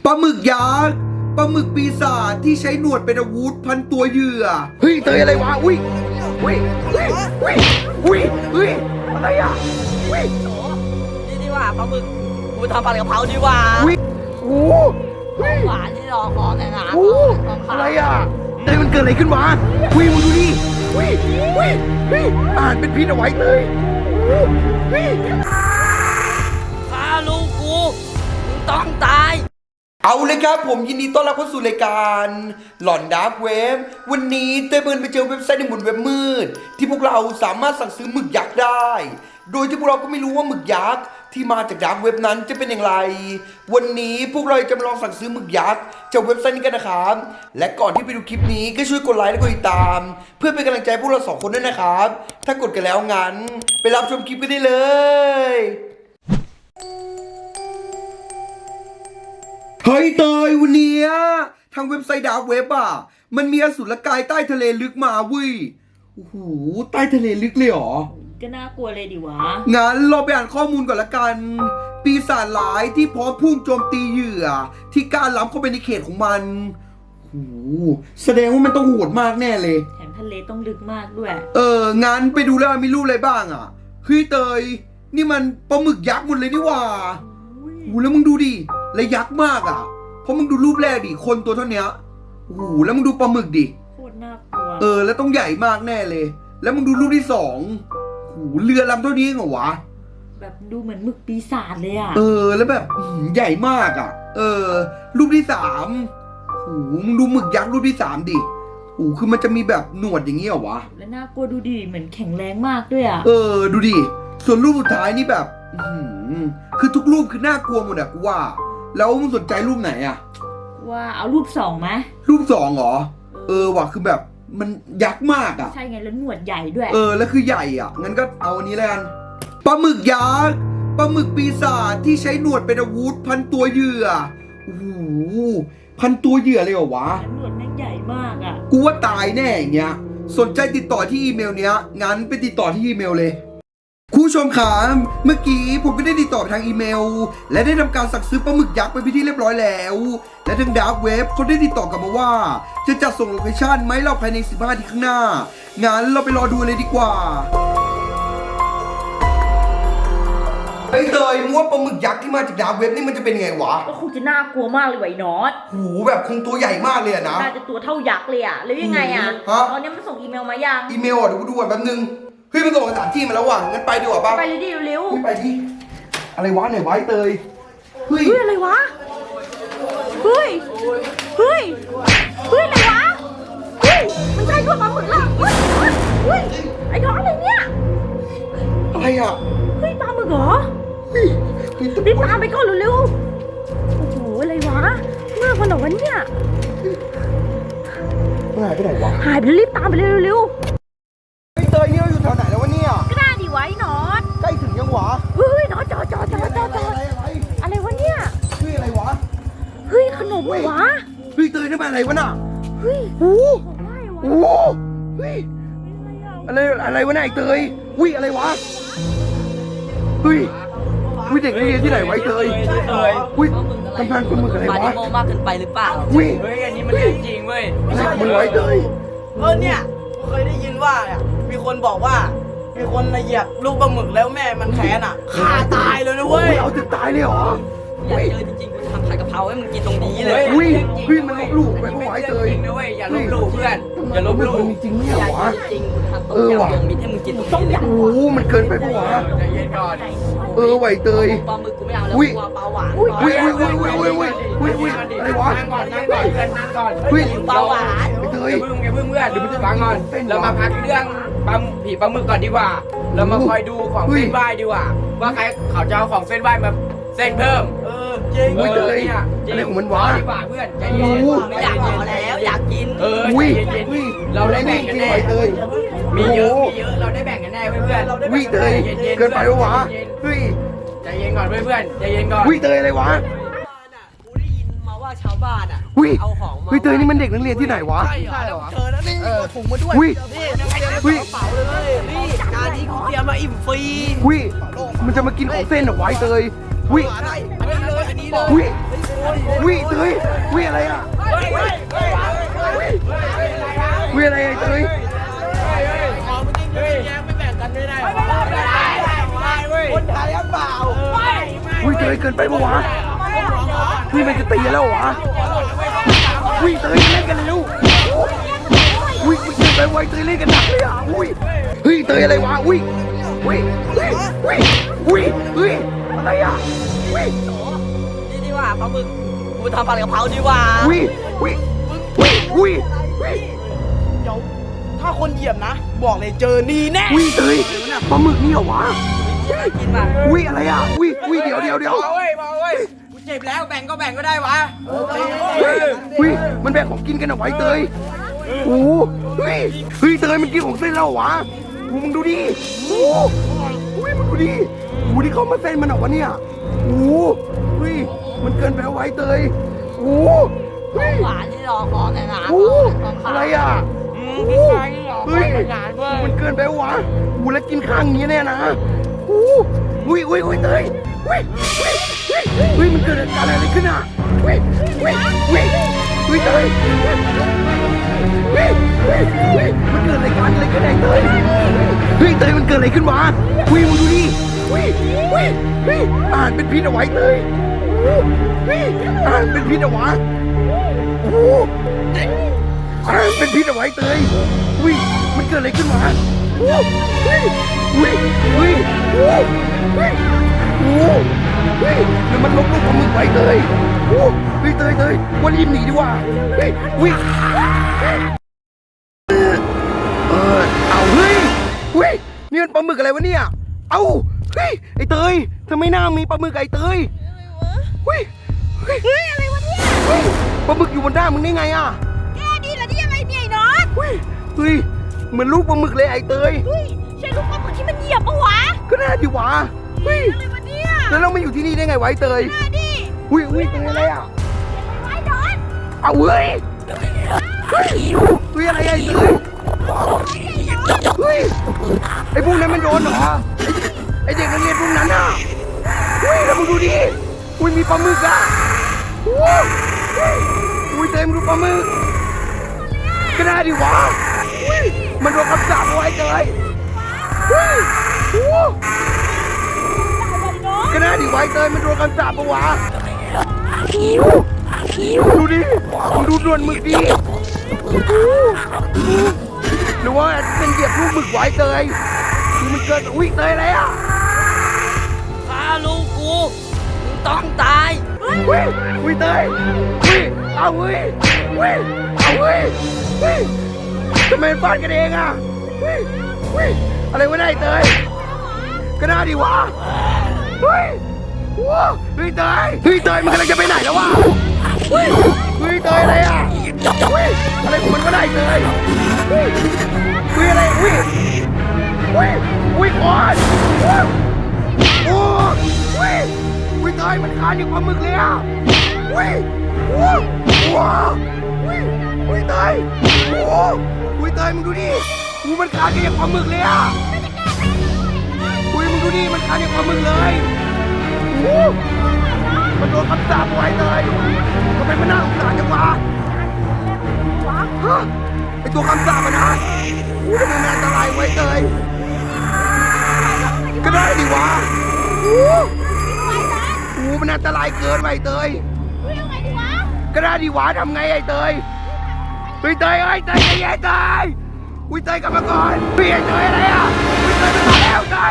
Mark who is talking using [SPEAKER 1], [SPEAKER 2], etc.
[SPEAKER 1] ปลาหมึกยักษ์ปลาหมึกปีศาจที่ใช้หนวดเป็นอาวุธพันตัวเหยื่อเฮ้ยเตยอะไรวะอุ้ยอะไรอ่ะอุ้ย
[SPEAKER 2] นี่ดีกว่าปลาหมึกกูทำปลากระเพราดีกว่า
[SPEAKER 1] อุ้ยโอ้เฮ้ย
[SPEAKER 2] หวานที่รอคอแต่งงาน
[SPEAKER 1] โอ้อะไรอ่ะเตยมันเกิดอะไรขึ้นวะอุ้ยมึงดูดิอุ้ยอาหารเป็นพิษเอาไว้เตยอุ้ย
[SPEAKER 2] ฆ่าลูกกูมึงต้องตาย
[SPEAKER 1] เอาเลยครับผมยินดีต้อนรับเข้าสู่รายการหลอนดาร์กเว็บวันนี้เต้เบิร์นไปเจอเว็บไซต์ในหมุนเว็บมืดที่พวกเราสามารถสั่งซื้อหมึกยักษ์ได้ โดยที่พวกเราก็ไม่รู้ว่าหมึกยักษ์ที่มาจากดาร์กเว็บนั้นจะเป็นอย่างไรวันนี้พวกเราจะมาลองสั่งซื้อหมึกยักษ์จากเว็บไซต์นี้กันนะครับและก่อนที่ไปดูคลิปนี้ก็ช่วยกดไลค์และกดติดตามเพื่อเป็นกำลังใจพวกเรา2คนด้วยนะครับถ้ากดกันแล้วงั้นไปรับชมคลิปกันได้เลยเฮ้ยเตยวันนี้ทางเว็บไซต์ดาร์กเว็บอ่ะมันมีอสุรกายใต้ทะเลลึกมาเว้ยโอ้โหใต้ทะเลลึกเลยเหรอ
[SPEAKER 3] ก็น่ากลัวเลยดิวะ
[SPEAKER 1] งั้นเราไปอ่านข้อมูลก่อนละกัน ปีศาจร้ายที่พร้อมพุ่งโจมตีเหยื่อที่กล้าล้ำเข้าไปในเขตของมันโอ้โหแสดงว่ามันต้องโหดมากแน่เลย
[SPEAKER 3] แถมทะเลต้องลึกมากด้วย
[SPEAKER 1] งั้นไปดูแล้วมีรูปอะไรบ้างอ่ะเฮ้ยเตยนี่มันปลาหมึกยักษ์หมดเลยนี่หว่าโอ้โหแล้วมึงดูดิและยักษ์มากอ่ะเพราะมึงดูรูปแรกดิคนตัวเท่านี้โอ้โหแล้วมึงดูปลาหมึกดิ
[SPEAKER 3] โคตรน่ากลัว
[SPEAKER 1] แล้วต้องใหญ่มากแน่เลยแล้วมึงดูรูปที่2โอ้โหเรือลำเท่านี้เหรอวะ
[SPEAKER 3] แบบดูเหมือนหมึกปีศาจเลยอ่ะ
[SPEAKER 1] แล้วแบบใหญ่มากอ่ะรูปที่3โอ้โหมึงดูหมึกยักษ์รูปที่3ดิโอ้โหคือมันจะมีแบบหนวดอย่างนี้เหรอวะ
[SPEAKER 3] แล้วน่ากลัวดูดิเหมือนแข็งแรงมากด้วยอ่ะ
[SPEAKER 1] ดูดิส่วนรูปสุดท้ายนี่แบบคือทุกรูปคือน่ากลัวหมดอะกูว่าแล้วมึงสนใจรูปไหนอะ
[SPEAKER 3] ว่าเอารูป2ไหม
[SPEAKER 1] รูป2เหรอว่ะคือแบบมันยักษ์มากอะ
[SPEAKER 3] ใช่ไงแล้วหนวดใหญ่ด้วย
[SPEAKER 1] แล้วคือใหญ่อะงั้นก็เอาอันนี้แล้วกันปลาหมึกยักษ์ปลาหมึกปีศาจที่ใช้หนวดเป็นอาวุธพันตัวเหยื่อโอ้โหพันตัวเหยื่อเลยเหรอวะ
[SPEAKER 3] หนวดแม่งใหญ่มากอะ
[SPEAKER 1] กูว่าตายแน่อย่างเงี้ยสนใจติดต่อที่อีเมลเนี้ยงั้นไปติดต่อที่อีเมลเลยคุณผู้ชมครับเมื่อกี้ผมก็ได้ติดต่อไปทางอีเมลและได้ทำการสั่งซื้อปลาหมึกยักษ์ไปเป็นที่เรียบร้อยแล้วและทางดาร์กเว็บเขาได้ติดต่อกลับมาว่าจะจัดส่งโลเคชั่นไหมเราภายใน15นาทีข้างหน้างั้นเราไปรอดูเลยดีกว่าไอ้เตยมึงว่าปลาหมึกยักษ์ที่มาจากดาร์กเว็บนี่มันจะเป็นไงวะ
[SPEAKER 3] ก็คงจะน่ากลัวมากเลยไอ้น็อต
[SPEAKER 1] โหแบบคงตัวใหญ่มากเลยนะ
[SPEAKER 3] น่าจะตัวเท่ายักษ์เลยอะแล้วยังไงอะตอนนี้มันส่งอีเมลมายัง
[SPEAKER 1] อีเมลเดี๋ยวกูดูก่อนแป๊บนึงเฮ้ยมันส่งสถานที่มาแล้วว่ะงั้นไปดีกว่าป่ะ
[SPEAKER 3] ไปเลยดิเร็ว
[SPEAKER 1] ไปที่อะไรวะไหนวะไอ้เตย
[SPEAKER 3] เฮ้ยอะไรวะเฮ้ยอะไรวะมันใช่พวกปลาหมึกหรอเฮ้ยไอ้น้องอะไรเนี่ย
[SPEAKER 1] อะไรอ่ะ
[SPEAKER 3] เฮ้ยปลาหมึกเหรอรีบตามไปก่อนเร็วโอ้โหอะไรวะมากกว่าหนอนเนี่ย
[SPEAKER 1] หายไปไหนวะ
[SPEAKER 3] หายไปรีบตามไปเร็ว
[SPEAKER 1] ไอ้เตยนี่เราอยู่แถวไหนแล้ววะเนี่ย
[SPEAKER 3] ก็น่าดีไว้นอต
[SPEAKER 1] ใกล้ถึงยังวะ
[SPEAKER 3] เฮ้ยนอตจอดอะไรวะเนี่ย
[SPEAKER 1] เฮ้ยอะไรวะ
[SPEAKER 3] เฮ้ยขนมวะ
[SPEAKER 1] เฮ้ยเตยนี่มันอะไรวะน่ะ
[SPEAKER 3] เฮ้ย
[SPEAKER 1] โอ้เฮ้ยอะไรวะน่ะไอ้เตยอุ้ยอะไรวะเฮ้ยเด็กนักเรียนที่ไหนไว้เตยอุ้ยทำงานคนมืออะไรวะ
[SPEAKER 2] มาดิโมมากเกินไปหรือเปล่า
[SPEAKER 1] เฮ้ย
[SPEAKER 2] อันนี้มันเรื่องจริงเว้ย
[SPEAKER 1] มึงไว้เตย
[SPEAKER 4] เนี่ยเคยได้ยินว่ามีคนบอกว่ามีคนเหยียบลูกปลาหมึกแล้วแม่มันแค้นฆ่าตายเลยนะเว้ย
[SPEAKER 1] เอาจะตายเลยเหรอ
[SPEAKER 2] อยากเจอจริงๆกูทำผัดกะเพราให้มึงกินตรงนี้เลย
[SPEAKER 1] มันลบหลู่ไปไม่ไหวเตย
[SPEAKER 4] นะเว้ยอย่าลบหลู่เพื่อนอย่าลบหลู่
[SPEAKER 1] จริงเนี่ยวะ
[SPEAKER 2] จริงกูทำต้มยำรวมมิตรให้มึงกินตรงนี้เลย
[SPEAKER 1] โอ้มันเกินไปปะวะ
[SPEAKER 4] ใจเย็นก่อน
[SPEAKER 1] ไหวเตย
[SPEAKER 2] ปลาหมึกกูไม่เอาแล้วกูเอาปลาหวาน
[SPEAKER 1] อะไรวะ
[SPEAKER 4] นั่งก่อนเพื่อนนั่งก่อน
[SPEAKER 2] ปลาหวาน
[SPEAKER 4] เตยอย่าเพิ่งเพื่อนเดี๋ยวมันจะฟังก่อนเรามาพักเรื่องผีปลาหมึกก่อนดีกว่าเรามาคอยดูของเส้นไหว้ดีกว่าว่าใครเขาจะเอาของเส้นไหว้มาเส้นเพิ่มจริง
[SPEAKER 1] เนี่ยอะไรของมันวะ
[SPEAKER 4] ดีกว่าเพื่อนใจเย็น
[SPEAKER 2] ไม่อยากกินแล้วอยากกิน
[SPEAKER 4] ใจเย็นเราได้แบ่งกันแน่มีเยอะเราได้แบ่งกันแน่เพื่อน
[SPEAKER 1] เตยเกินไปวะ
[SPEAKER 4] ใจเย็นก่อนเพื่อนใจเย็นก่อน
[SPEAKER 1] เตยอะไรวะ
[SPEAKER 2] กูได้ยินมาว่าชาวบ้านเอาของมา
[SPEAKER 1] เตยนี่มันเด็กนักเรียนที่ไหนวะ
[SPEAKER 4] ใช่เหรอเธอแล้วนี่ถุงมาด้วยนี่กระเป๋าเลยนี่จานนี้กูเตรียมมาอิ่มฟรี
[SPEAKER 1] มันจะมากินของเส้นเหรอวะเตย
[SPEAKER 4] อันนี้เลย
[SPEAKER 1] วิเตยวิอะไรอ่ะวิอะไรไอ้เตยวิเตยเกินไปปะวะวิมันจะตีแล้วเหรอวะวิเตยเล่นกันเร็ววิเกินไปไวเตยเล่นกันหนักเลยอ่ะวิเฮ้ยเตยอะไรวะวิอะไรอ่ะวิ
[SPEAKER 2] นี่ดีกว่าปลาหมึกกูทำผัดกะเพราดีกว่า
[SPEAKER 1] วิ
[SPEAKER 5] ถ้าคนเหยียบนะ บอกเลยเจอนี่แน่
[SPEAKER 1] วิเตยปลาหมึกนี่เหรอวะ
[SPEAKER 2] กินมา
[SPEAKER 1] วิอะไรอ่ะวิเดี๋ยว
[SPEAKER 4] มาเว้ยกูเจ็บแล้วแบ่งก็ได้วะ
[SPEAKER 1] วิมันแบ่งของกินกันเอาไว้เตยโอ้เฮ้ยเตยมันกินของเส้นเราเหรอวะมึงดูดิโอ้มึงดูดิที่เขามาเส้นมันเหรอวะเนี่ยโอ้เฮ้ยมันเกินไปเอาไว้เตยโอ้เฮ้ย
[SPEAKER 2] หวานที่รอของในร้าน
[SPEAKER 1] โอ้อะไรอ่ะเฮ้ยมันเกินไปวะแล้วกินข้างนี้แน่นะโอ้เตยมันเกิดอะไรขึ้นอ่ะเตยมันเกิดอะไรขึ้นไอ้เตยเตยมันเกิดอะไรขึ้นวะมึงดูดิอาหารเป็นพิษเอาไว้เตยอาหารเป็นพิษเอาไว้โอ้อาหารเป็นพิษเอาไว้เตยมันเกิดอะไรขึ้นวะแล้วมันลบลูกของมึงไว้เตยเตยวันรีบหนีดีกว่าเอาเฮ้ยนี่มันปลาหมึกอะไรวะเนี่ยเอาเฮ้ยไอ้เตยทำไมหน้ามีปลาหมึกไอ้เตยเฮ้ยอะไรวะเนี่ยปลาหมึกอยู่บนหน้ามึงได้ไงอ่ะ
[SPEAKER 3] แกนี่เหรอที่อะไรเนี่ยไอ้น็อต
[SPEAKER 1] เฮ้ยเหมือนลูกปลาหมึกเลยไอ้เตย
[SPEAKER 3] ใช่ลูกปลาหมึกที่มันเหยียบปะวะ
[SPEAKER 1] ก็น่าดีวะเฮ้ย
[SPEAKER 3] อะไรวะเนี่ย
[SPEAKER 1] แล้วเรามาอยู่ที่นี่ได้ไงไวะไอ้เตย
[SPEAKER 3] ดิ
[SPEAKER 1] เฮ้ยเตยอะไรอ่ะ
[SPEAKER 3] ไอ้น็อต
[SPEAKER 1] เอาเฮ้ยอะไรไอ้เตยเฮ้ยไอ้พวกนั้นมันโดนเหรอไอ้เด็กนักเรียนพวกนั้นอ่ะแล้วมึงดูดิมีปลาหมึกอ่ะเตยมึงดูปลาหมึกก็น่าดีวะมันโดนคำสาปเอาไว้เตยก็น่าดีไว้เตยมันโดนคำสาปเอาวะดูดิมึงดูดวนหมึกดิหรือว่าเป็นเหยียบลูกหมึกไว้เตยมันเกิดเตยอะไรอ่ะ
[SPEAKER 2] ฆ่าลูกกูมึงต้องตาย
[SPEAKER 1] เตยเอาทำไมฟาดกันเองอ่ะอะไรวะเนี่ยเตยก็น่าดีวะเตยมันกำลังจะไปไหนแล้ววะเตยอะไรอ่ะอะไรของมันก็ได้เตยอะไรก่อนเตยมันคานอยู่ปลาหมึกเลยอ่ะเตยเตยมึงดูดิมันคานอยู่ปลาหมึกเลยอ่ะมึงดูดิมันคานอยู่ปลาหมึกเลยมันโดนคำสาปไว้เลยทำไมมันน่าสงสารจังวะไอตัวคำสาปมันนะทำไมมันอันตรายไว้เลยก็ได้ดิวะมันอันตรายเกินไปเตยก็ได้ดิวะทำไงไอ้เตยเตยใจเย็นเตยเตยกลับมาก่อนไอ้เตยอะไรอ่ะเตยมาแล้วเต